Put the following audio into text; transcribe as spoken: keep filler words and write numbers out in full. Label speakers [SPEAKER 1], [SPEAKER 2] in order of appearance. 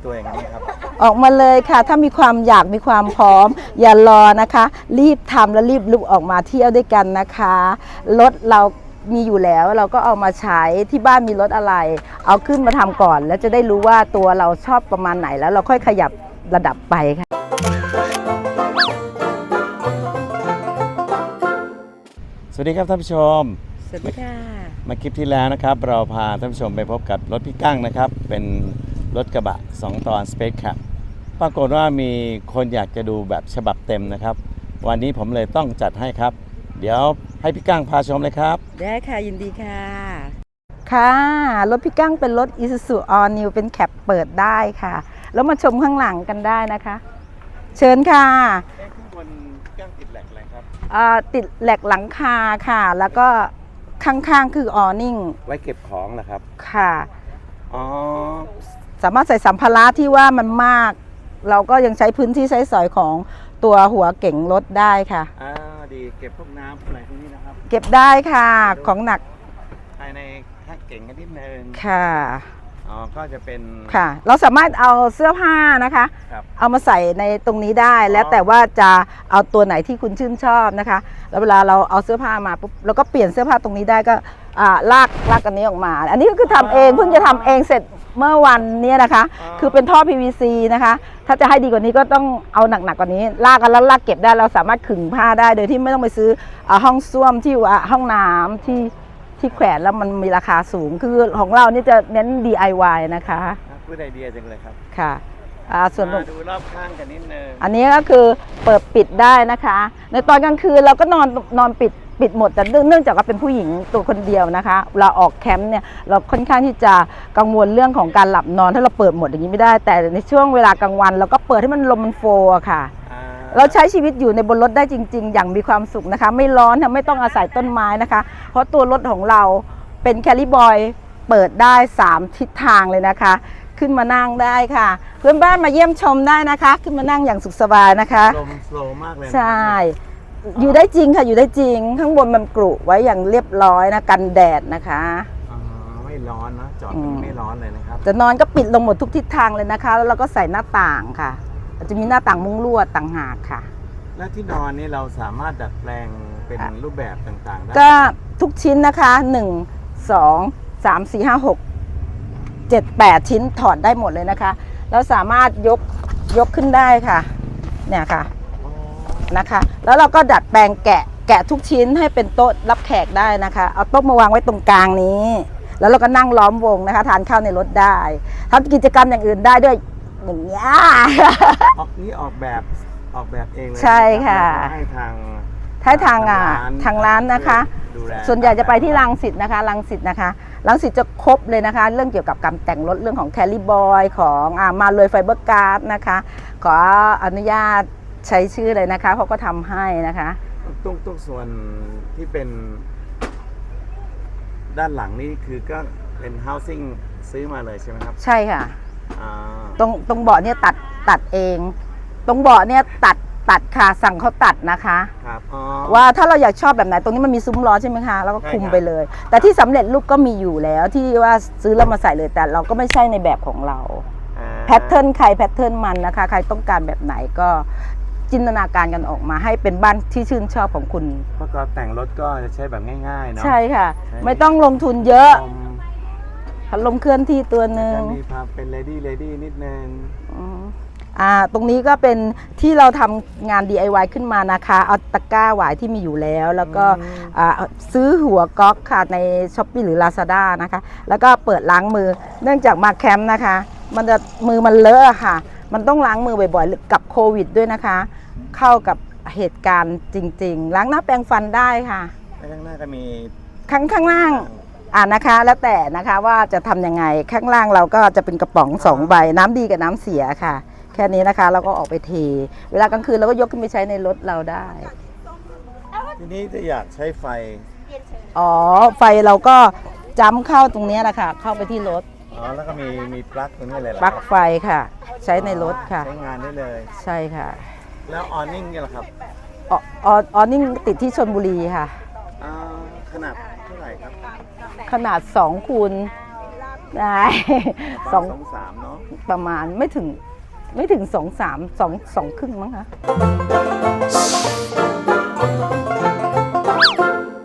[SPEAKER 1] ตัวอย่างนี้ครับ
[SPEAKER 2] ออกมาเลยค่ะถ้ามีความอยากมีความพร้อมอย่ารอนะคะ รีบทำและรีบลุกออกมาเที่ยวด้วยกันนะคะรถเรามีอยู่แล้วเราก็เอามาใช้ที่บ้านมีรถอะไรเอาขึ้นมาทำก่อนแล้วจะได้รู้ว่าตัวเราชอบประมาณไหนแล้วเราค่อยขยับระดับไปค่ะ
[SPEAKER 1] สวัสดีครับท่านผู้ชม
[SPEAKER 2] สวัสดีค่ะ
[SPEAKER 1] มาคลิปที่แล้วนะครับเราพาท่านผู้ชมไปพบกับรถพี่กั้งนะครับเป็นรถกระบะสองตอน Space Cab ปรากฏว่ามีคนอยากจะดูแบบฉบับเต็มนะครับวันนี้ผมเลยต้องจัดให้ครับเดี๋ยวให้พี่กั้งพาชมเลยครับ
[SPEAKER 2] ได้ค่ะยินดีค่ะค่ะรถพี่กั้งเป็นรถ Isuzu All New เป็นแคปเปิดได้ค่ะแล้วมาชมข้างหลังกันได้นะคะเชิญค่ะ
[SPEAKER 1] ข้างบนกั้งติดแหลกอะไรครับ
[SPEAKER 2] ติดแหลกหลังคาค่ะแล้วก็ข้างๆคือออร์นิ่ง
[SPEAKER 1] ไว้เก็บของเหรอครับ
[SPEAKER 2] ค่ะ
[SPEAKER 1] อ๋อ
[SPEAKER 2] สามารถใส่สัมภาระที่ว่ามันมากเราก็ยังใช้พื้นที่ใช้สอยของตัวหัวเก๋งรถได้ค่ะ
[SPEAKER 1] อ่าดีเก็บพวกน้ำอะไรพวกนี้นะครับ
[SPEAKER 2] เก็บได้ค่ะของหนัก
[SPEAKER 1] ภายในแค่เก๋งกันนิดนึง
[SPEAKER 2] ค่ะ
[SPEAKER 1] อ๋อก็จะเป็น
[SPEAKER 2] ค่ะเราสามารถเอาเสื้อผ้านะคะเอามาใส่ในตรงนี้ได้แล้วแต่ว่าจะเอาตัวไหนที่คุณชื่นชอบนะคะแล้วเวลาเราเอาเสื้อผ้ามาปุ๊บเราก็เปลี่ยนเสื้อผ้าตรงนี้ได้ก็ลากลากอันนี้ออกมาอันนี้ก็คือทำเองเพิ่งจะทำเองเสร็จเมื่อวันนี้นะคะคือเป็นท่อ พี วี ซี นะคะถ้าจะให้ดีกว่านี้ก็ต้องเอาหนักๆกว่านี้ลากกันแล้วลากเก็บได้เราสามารถขึงผ้าได้โดยที่ไม่ต้องไปซื้อห้องส้วมที่ห้องน้ำที่ที่แขวนแล้วมันมีราคาสูงคือของเรานี่จะเน้น ดี ไอ วาย นะคะ
[SPEAKER 1] พูดไอเดียจังเลยครับ
[SPEAKER 2] ค่ะส่วน
[SPEAKER 1] ดูรอบข้างกันนิดนึง
[SPEAKER 2] อันนี้ก็คือเปิดปิดได้นะคะในตอนกลางคืนเราก็นอนนอนปิดปิดหมดแต่เนื่องจากว่าเป็นผู้หญิงตัวคนเดียวนะคะเราออกแคมป์เนี่ยเราค่อนข้างที่จะกังวลเรื่องของการหลับนอนถ้าเราเปิดหมดอย่างนี้ไม่ได้แต่ในช่วงเวลากลางวันเราก็เปิดให้มันลมมันโฟค่ะเราใช้ชีวิตอยู่ในบนรถได้จริงๆอย่างมีความสุขนะคะไม่ร้อนไม่ต้องอาศัยต้นไม้นะคะเพราะตัวรถของเราเป็นแคลิบอยเปิดได้สามทิศทางเลยนะคะขึ้นมานั่งได้ค่ะเพื่อนบ้านมาเยี่ยมชมได้นะคะขึ้นมานั่งอย่างสุขสบายนะคะ
[SPEAKER 1] ลมโฟล์มากเลย
[SPEAKER 2] ใช่อยู่ได้จริงค่ะอยู่ได้จริงข้างบนมันกรุไว้อย่างเรียบร้อยนะกันแดดนะคะ
[SPEAKER 1] อ๋อไม่ร้อนนะจอดไม่ร้อนเลยนะครับ
[SPEAKER 2] จะนอนก็ปิดลงหมดทุกทิศทางเลยนะคะแล้วเราก็ใส่หน้าต่างค่ะจะมีหน้าต่างมุ้งลวดต่างหากค่ะ
[SPEAKER 1] และที่นอนนี่เราสามารถดัดแปลงเป็นรูปแบบต่างๆได้
[SPEAKER 2] ก็ทุกชิ้นนะคะหนึ่ง สอง สาม สี่ ห้า หก เจ็ด แปดชิ้นถอดได้หมดเลยนะคะแล้วสามารถยกยกขึ้นได้ค่ะเนี่ยค่ะนะคะแล้วเราก็ดัดแปลงแกะแกะทุกชิ้นให้เป็นโต๊ะรับแขกได้นะคะเอาโต๊ะมาวางไว้ตรงกลางนี้แล้วเราก็นั่งล้อมวงนะคะทานข้าวในรถได้ทำกิจกรรมอย่างอื่นได้ด้วยอย่างเงี้ย
[SPEAKER 1] ออกนี่ออกแบบออกแบบเองเลย
[SPEAKER 2] ใช่ค่ะ
[SPEAKER 1] ให้ทาง
[SPEAKER 2] ให้ทางอ่ะทางร้านนะคะส่วนใหญ่จะไปที่รังสิตนะคะรังสิตนะคะรังสิตจะครบเลยนะคะเรื่องเกี่ยวกับการแต่งรถเรื่องของแคลิบอยของอ่ามาเลยไฟเบอร์การ์ดนะคะขออนุญาตใช้ชื่อเลยนะคะเขาก็ทำให้นะคะ
[SPEAKER 1] ตรงตรงส่วนที่เป็นด้านหลังนี่คือก็เป็น housing ซื้อมาเลยใช่ไหมครับ
[SPEAKER 2] ใช่ค่ะตรงตรงเบาะเนี่ยตัดตัดเองตรงเบาะเนี่ยตัดตัดค่ะสั่งเขาตัดนะคะ
[SPEAKER 1] ครับ
[SPEAKER 2] ว่าถ้าเราอยากชอบแบบไหนตรงนี้มันมีซุ้มล้อใช่ไหมคะแล้วก็คุมไปเลยแต่ที่สำเร็จรูปก็มีอยู่แล้วที่ว่าซื้อแล้วมาใส่เลยแต่เราก็ไม่ใช่ในแบบของเราแพทเทิร์นใครแพทเทิร์นมันนะคะใครต้องการแบบไหนก็จินตนาการกันออกมาให้เป็นบ้านที่ชื่นชอบของคุณ
[SPEAKER 1] เพราะก็แต่งรถก็จะใช้แบบง่ายๆเนาะ
[SPEAKER 2] ใช่ค่ะไม่ต้องลงทุนเยอะพัดลมเคลื่อนที่ตัวหนึ่ง
[SPEAKER 1] มีพาเป็นเลดี้เลดี้นิดนึง
[SPEAKER 2] อ่าตรงนี้ก็เป็นที่เราทำงาน ดี ไอ วาย ขึ้นมานะคะเอาตะกร้าหวายที่มีอยู่แล้วแล้วก็ซื้อหัวก๊อกค่ะใน ช้อปปี้ หรือ ลาซาด้า นะคะแล้วก็เปิดล้างมือเนื่องจากมาแคมป์นะคะมันจะมือมันเลอะค่ะมันต้องล้างมือบ่อยๆกับโควิดด้วยนะคะเข้ากับเหตุการณ์จริงๆล้างหน้าแปรงฟันได้ค่ะ
[SPEAKER 1] ข้างหน้าก็มี
[SPEAKER 2] ข้างข้างล่างอ่านะคะแล้วแต่นะคะว่าจะทำยังไงข้างล่างเราก็จะเป็นกระป๋องสองใบน้ำดีกับน้ำเสียค่ะแค่นี้นะคะเราก็ออกไปเทเวลากลางคืนเราก็ยกขึ้นไปใช้ในรถเราได้
[SPEAKER 1] ทีนี้จะอยากใช้ไฟ
[SPEAKER 2] อ๋อไฟเราก็จ้ำเข้าตรงนี้แหละค่ะเข้าไปที่รถ
[SPEAKER 1] อ๋อแล้วก็มีมีปลั๊กตรงนี้เลยเหรอ
[SPEAKER 2] ปลั๊กไฟค่ะใช้ในรถค่ะ
[SPEAKER 1] ใช้งานได้เลย
[SPEAKER 2] ใช่ค่ะ
[SPEAKER 1] แล้วออนนิ่งเนี่ยเหรอครับ
[SPEAKER 2] อ๋อออนนิ่งติดที่ชลบุรีค่ะ
[SPEAKER 1] ขนาดเท่าไหร่ครับ
[SPEAKER 2] ขนาดสองคูณได้สอง
[SPEAKER 1] สองสามเนาะ
[SPEAKER 2] ประมาณไม่ถึงไม่ถึงสองสามสองสองครึ่งมั้งคะ